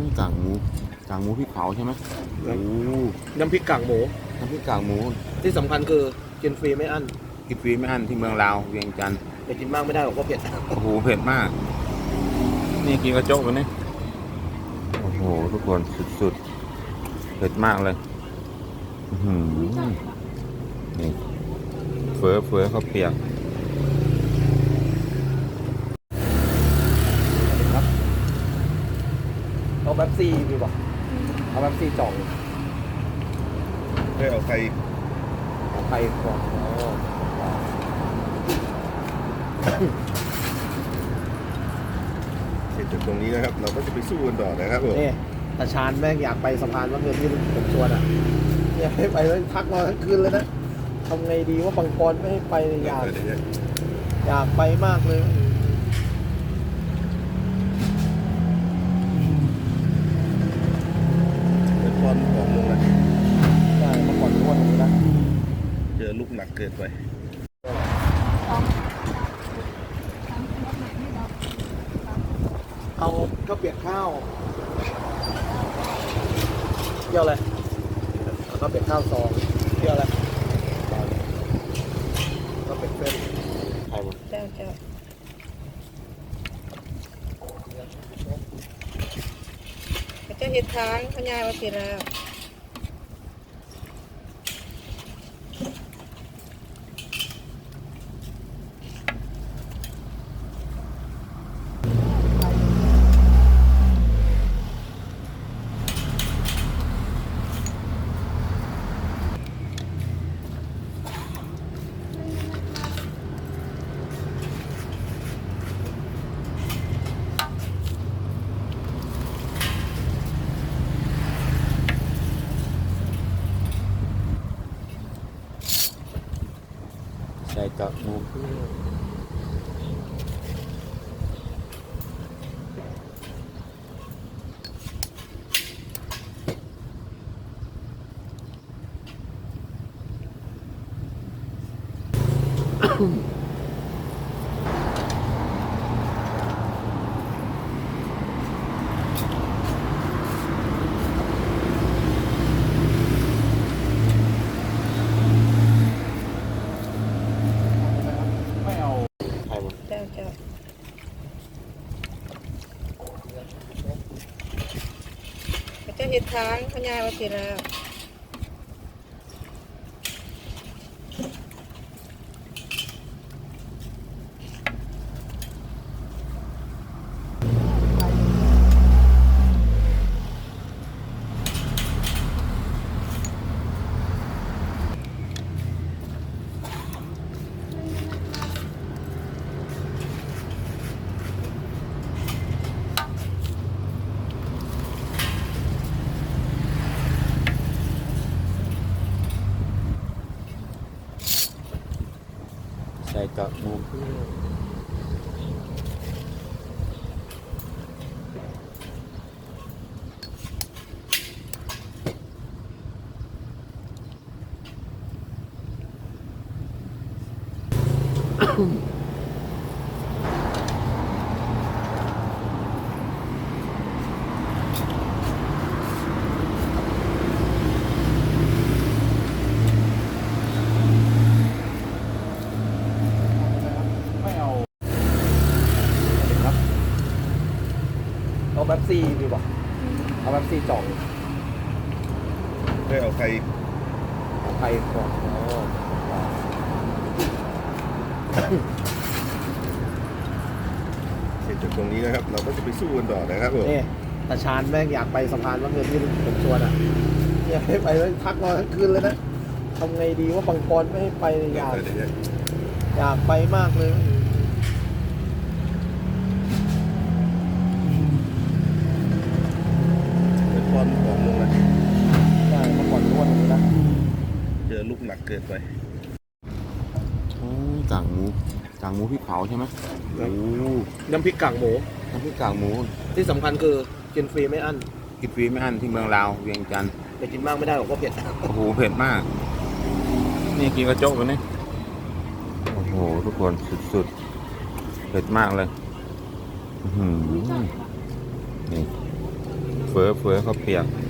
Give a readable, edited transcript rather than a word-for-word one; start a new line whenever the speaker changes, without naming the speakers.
กากหมูพริกเผาใช่ไหมโอ้
น้ำพริกกากหมู
น้ำพริกกากหมู
ที่สำคัญคือกินฟรีไม่อั้น
กินฟรีไม่อั้นที่เมืองลาวเวียงจันทร์
แต่กินมากไม่ได้หรอกเพราะเผ็ด
โอ้โหเผ็ดมากนี่กินกระโจกไปนี่โอ้โหทุกคนสุดๆเผ็ดมากเลยนี่เฟ้อข้าวเปียก
ครับเอาแบบซี่ดีกว่าเอาแบบซี่จ่อง
เอาใคร
เอาไข่ก่อน
เสร็จจากตรงนี้นะครับ เราก็จะไปสู้กันต่อนะครับผม
นี่ตาชานแม่งอยากไปสะพานว่าเงินที่ผมชวนอ่ะอยากให้ไปแล้วทักมาทั้งคืนเลยนะทำไงดีว่าบางปอนไม่ให้ไปอยากไปมากเลย
เป็นบอลของลงเลย
ใช่มาก่อนทุกวันนี้นะ
เจอลูกหนักเกินไป
เอาข้าวเปียกข้าวเกี่ยวอะไรเอาข้าวเปียกข้าวซองเกี่ยวอะไรข้าวเปียกเส้น
ใครวะ
เจ้าเขาจะเห็ดทางเขายายว่าสิแล้ว
ใส่กากหมู
ไม่เอา
ใครวะ
เจ้าเขาจะเห็ดทางเขายายว่าสิแล้ว
ใส่กากหมู
ไม่เอาครับเอาแบบซี่ดีกว่าเอาแบบซี่จ่อง
เอาใคร
เอาไข่ก่อน
เสร็จจากตรงนี้นะครับ เราก็จะไปสู้กันต่อนะครับผม
นี่ตาชานแม่งอยากไปสะพานว่าเงินที่ผมชวนอ่ะอยากให้ไปแล้วทักมาทั้งคืนเลยนะทำไงดีว่าบางปอนไม่ให้ไปอยากไปมากเลย
เป็นบอลของลงเลย
ใช่มาก่อนทุกวันนี้นะ
เจอลูกหนักเกินไป
กากหมูพริกเผาใช่ไหมโอ้
น้ำพริกกากหมู
น้ำพริกกากหมู
ที่สำคัญคือกินฟรีไม่อั้น
กินฟรีไม่อั้นที่เมืองลาวเวียงจันทร์
แต่กินมากไม่ได้หรอกเพราะเผ็ด
โอ้โหเผ็ดมากนี่กินกระโจกไปนี่โอ้โหทุกคนสุดๆเผ็ดมากเลยนี่เฟือข้าวเปียก